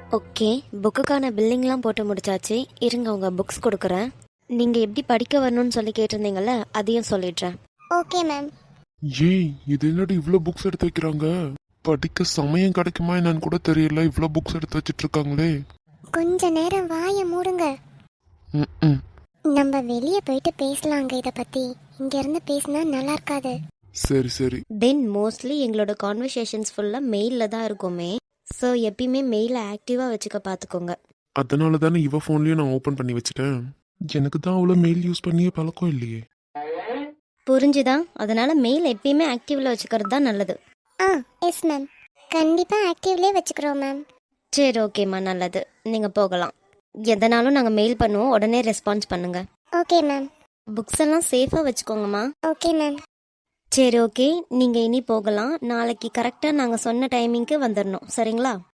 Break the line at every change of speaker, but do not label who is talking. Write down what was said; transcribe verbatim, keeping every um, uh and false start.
Okay, புக்குக்கான பில்லிங்லாம் போட்டு முடிச்சாச்சு. இருங்க உங்க புக்ஸ் கொடுக்குறேன். நீங்கள் எப்படி படிக்க வரணும்னு சொல்லி கேட்டிருந்தீங்கல்ல, அதையும் சொல்லிடுறேன்.
Okay ma'am.
ஏய், இது என்னடி இவ்ளோ புக்ஸ் எடுத்து வைக்கிறாங்க? படிக்க சமயம் கிடைக்குமா என்னன்னு கூட தெரியல, இவ்ளோ புக்ஸ் எடுத்து வச்சிட்டு இருக்காங்களே.
கொஞ்ச நேரம் வாயை மூடுங்க.
ம்
நம்ம வெளியே போயிட்டு பேசலாங்க இதை பத்தி. இங்க இருந்து பேசினா நல்லா இருக்காது.
சரி சரி.
தென் மோஸ்ட்லி எங்களோட கான்வர்சேஷன்ஸ் ஃபுல்லாக மெயிலில் தான் இருக்குமே. ஸோ எப்பயுமே மெயிலை ஆக்டிவாக வச்சுக்க பார்த்துக்கோங்க.
அதனால தானே இவ ஃபோன்லயும் நான் ஓபன் பண்ணி வச்சிட்டேன். எனக்கு தான் அவ்வளோ மெயில் யூஸ் பண்ணியே பழக்கம் இல்லையே.
புரிஞ்சுதா? அதனால மெயில் எப்பயுமே ஆக்டிவில் வச்சுக்கிறது தான் நல்லது.
ஆ எஸ் மேம், கண்டிப்பா ஆக்டிவ்லேயே வச்சுக்கிறோம் மேம்.
சரி ஓகேம்மா, நல்லது. நீங்கள் போகலாம். எதனாலும் நாங்கள் மெயில் பண்ணுவோம், உடனே ரெஸ்பான்ஸ் பண்ணுங்க.
Okay ma'am.
புக்ஸ் எல்லாம் சேஃபாக வச்சுக்கோங்கம்மா.
Okay ma'am.
சரி ஓகே, நீங்கள் இனி போகலாம். நாளைக்கு கரெக்டாக நாங்கள் சொன்ன டைமிங்க்கு வந்துடணும், சரிங்களா?